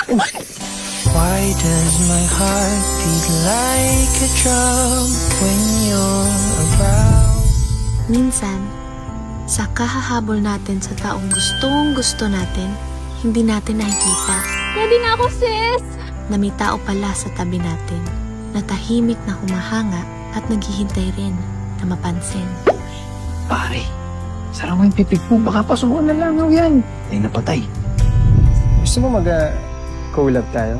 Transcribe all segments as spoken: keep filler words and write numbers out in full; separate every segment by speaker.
Speaker 1: Why does my heart beat like a drum when you're around?
Speaker 2: Minsan, sa kahahabol natin sa taong gustong gusto natin, hindi natin nakikita
Speaker 3: Ready na ako, sis!
Speaker 2: na may tao pala sa tabi natin, na tahimik na humahanga at naghihintay rin na mapansin.
Speaker 4: Pare, sarang mo yung pipig mo. Baka pasukan na lang yan. Ay, napatay.
Speaker 5: Gusto mo mag-collab tayo?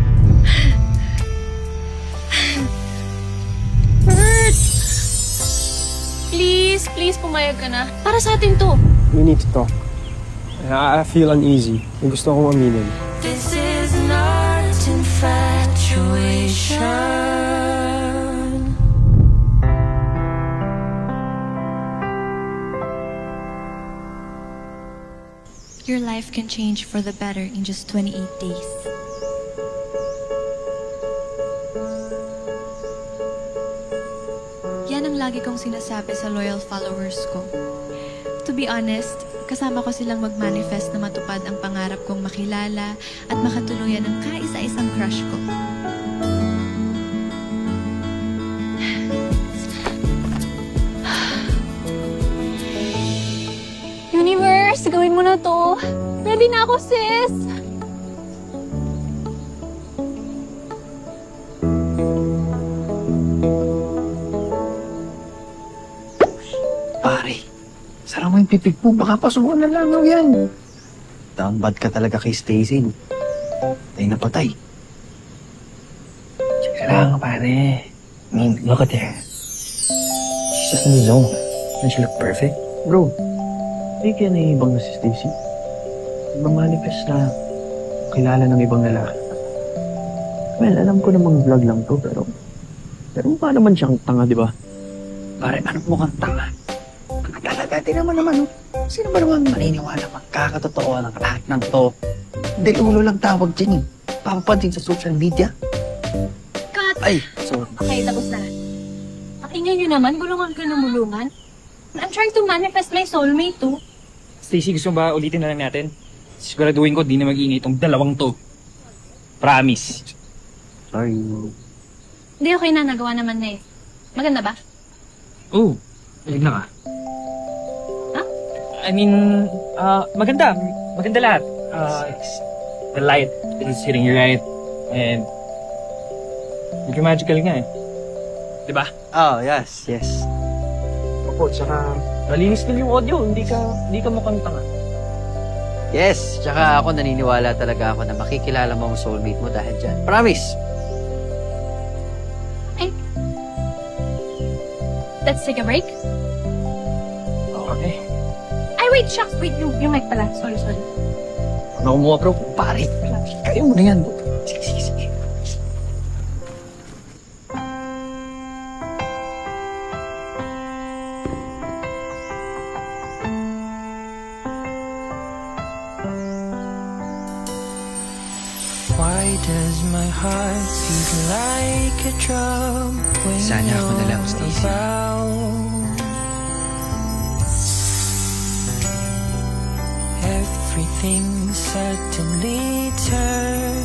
Speaker 3: Bert! Please, please, pumayag ka na. Para sa atin to.
Speaker 5: We need to talk. I, I feel uneasy. May gusto akong aminin.
Speaker 1: This is not infatuation.
Speaker 6: Your life can change for the better in just twenty-eight days. Yan ang lagi kong sinasabi sa loyal followers ko. To be honest, kasama ko silang mag-manifest na matupad ang pangarap kong makilala at makatuluyan ng kaisa-isang crush ko.
Speaker 3: Universe, gawin mo na to. Ready na ako, sis!
Speaker 4: Pare, sarang mo yung pipig mo. Baka pasukan na lang yan. Down bad ka talaga kay Stacy. Ay, napatay. Sige lang, pare. I mean, look at her. She's just in the zone. Doesn't she look perfect? Bro, hindi kaya naiibang na si Stacy. Ibang manifest na kilala ng ibang lalaki. Well, alam ko namang vlog lang to, pero... Pero mukha naman siyang tanga, di ba? Pare, ano mukhang tanga? Ang talaga, di naman naman, oh. Sino ba naman maniniwala magkakatotoo ng lahat ng to? Hindi, ulo lang tawag dyan, eh. Papapansin sa social media.
Speaker 3: Cut!
Speaker 4: Ay, sorry.
Speaker 3: Okay, tapos na. Ang ingay nyo naman, gulungan ka ng mulungan. I'm trying to manifest my soulmate too.
Speaker 7: Stacy, gusto mo ba ulitin na lang natin? Siguraduhin ko, di na mag-iingay itong dalawang to. Promise.
Speaker 4: Sorry.
Speaker 3: Hindi, okay na. Nagawa naman na eh. Maganda ba?
Speaker 7: Oh, ayun na ka.
Speaker 3: Ha?
Speaker 7: I mean, uh, maganda. Maganda lahat. Uh, the light is hitting you right. And, medyo magical nga eh. Diba?
Speaker 4: Oh, yes, yes.
Speaker 7: Opo, tsaka malinis din yung audio. Hindi ka, hindi ka mukhang tanga.
Speaker 8: Yes, tsaka ako naniniwala talaga ako na makikilala mo ang soulmate mo dahil dyan. Promise!
Speaker 3: Let's take a break.
Speaker 7: Okay.
Speaker 3: Ay, wait, shucks. Wait, yung, yung mic pala. Sorry, sorry.
Speaker 4: Ano mo, bro? Pare, kayo mo na yan. Sige, sige, sige.
Speaker 1: Why does my heart beat like a drum when
Speaker 4: Sana ako na lang,
Speaker 1: you're
Speaker 4: Stacy.
Speaker 1: around? Everything suddenly turns